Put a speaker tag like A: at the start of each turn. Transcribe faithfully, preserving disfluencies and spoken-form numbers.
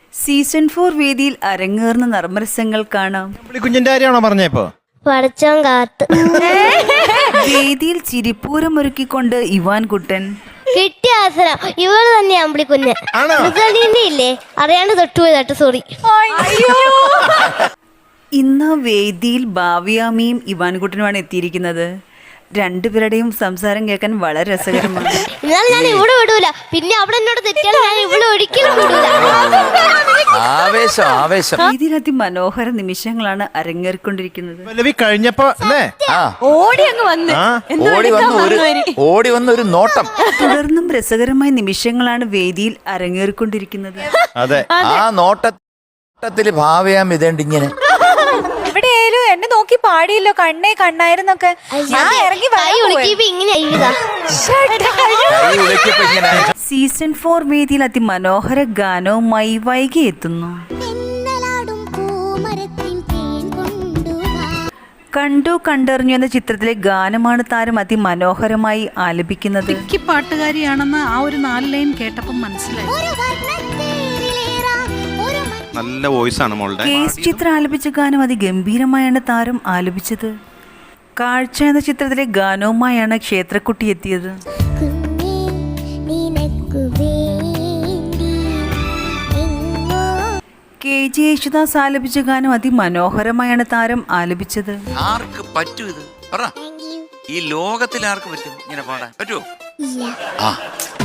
A: Season four വേദിയിൽ അരങ്ങേറുന്ന നർമ്മരസങ്ങൾ കാണാം.
B: കുഞ്ഞിന്റെ കാര്യമാണോ പറഞ്ഞപ്പോ?
C: പഠിച്ചോൻ കാത്ത്
A: വേദിയിൽ ചിരിപ്പൂരമൊരുക്കിക്കൊണ്ട് ഇവാൻ കുട്ടൻ.
C: കിട്ടിയ അവസരം ഇവള് തന്നെ അമ്പിളി കുഞ്ഞ് ഇല്ലേ അറിയാണ്ട് തൊട്ടുപോയി തട്ട് സോറി.
A: ഇന്ന് വേദിയിൽ ഭാവ്യാമിയും ഇവാൻകുട്ടനുമാണ് എത്തിയിരിക്കുന്നത്. രണ്ടുപേരുടെയും സംസാരം കേൾക്കാൻ വളരെ രസകരമാണ്.
C: എന്നാൽ ഞാൻ ഇവിടെ വിടൂല, പിന്നെ അവിടെ എന്നോട് തെറ്റിയാൽ ഞാൻ ഇവിടെ ഒരിക്കലും വിടൂല.
D: ആവേശം ആവേശം
A: വേദിയിൽ അതിമനോഹര നിമിഷങ്ങളാണ് അരങ്ങേറിക്കൊണ്ടിരിക്കുന്നത്.
B: പല്ലവി കഴിഞ്ഞപ്പോ അല്ലേ
E: ഓടി അങ്ങ് വന്ന്
D: ഓടി വന്ന് ഒരു ഓടി വന്ന ഒരു നോട്ടം.
A: തുടർന്നും രസകരമായ നിമിഷങ്ങളാണ് വേദിയിൽ അരങ്ങേറിക്കൊണ്ടിരിക്കുന്നത്.
B: അതെ,
D: ആ നോട്ടത്തില് ഭാവയാം ഇതേണ്ട ഇങ്ങനെ
E: എവിടെയായാലും എന്നെ നോക്കി പാടിയല്ലോ, കണ്ണേ കണ്ണായിരുന്നൊക്കെ. ഞാൻ ഇറങ്ങി
C: കൈ ഒളിക്കിയപ്പോ ഇങ്ങനെ എഴുതാ.
D: കൈ ഉലക്കിയപ്പോ ഇങ്ങനെ.
A: സീസൺ ഫോർ വേദിയിൽ അതിമനോഹര ഗാനവുമായി വൈകി എത്തുന്നു. കണ്ടു കണ്ടറിഞ്ഞു എന്ന ചിത്രത്തിലെ ഗാനമാണ് താരം അതിമനോഹരമായി ആലപിക്കുന്നത്.
F: പാട്ടുകാരിയാണെന്ന് ആ ഒരു നാല് ലൈൻ കേട്ടപ്പം മനസ്സിലായി.
B: നല്ല വോയിസ് ആണ് മോളുടെ.
A: കേസ് ചിത്ര ആലപിച്ച ഗാനം അതിഗംഭീരമായാണ് താരം ആലപിച്ചത്. കാഴ്ച എന്ന ചിത്രത്തിലെ ഗാനവുമായാണ് ക്ഷേത്രക്കുട്ടി എത്തിയത്. കെ ജി യേശുദാസ് ആലപിച്ച ഗാനം അതിമനോഹരമായാണ് താരം ആലപിച്ചത്.
D: ആർക്ക് പറ്റൂ ഇത് പറ? ഈ ലോകത്തിൽ ആർക്ക് പറ്റും ഇങ്ങനെ പാടാൻ? പറ്റുമോ? ആ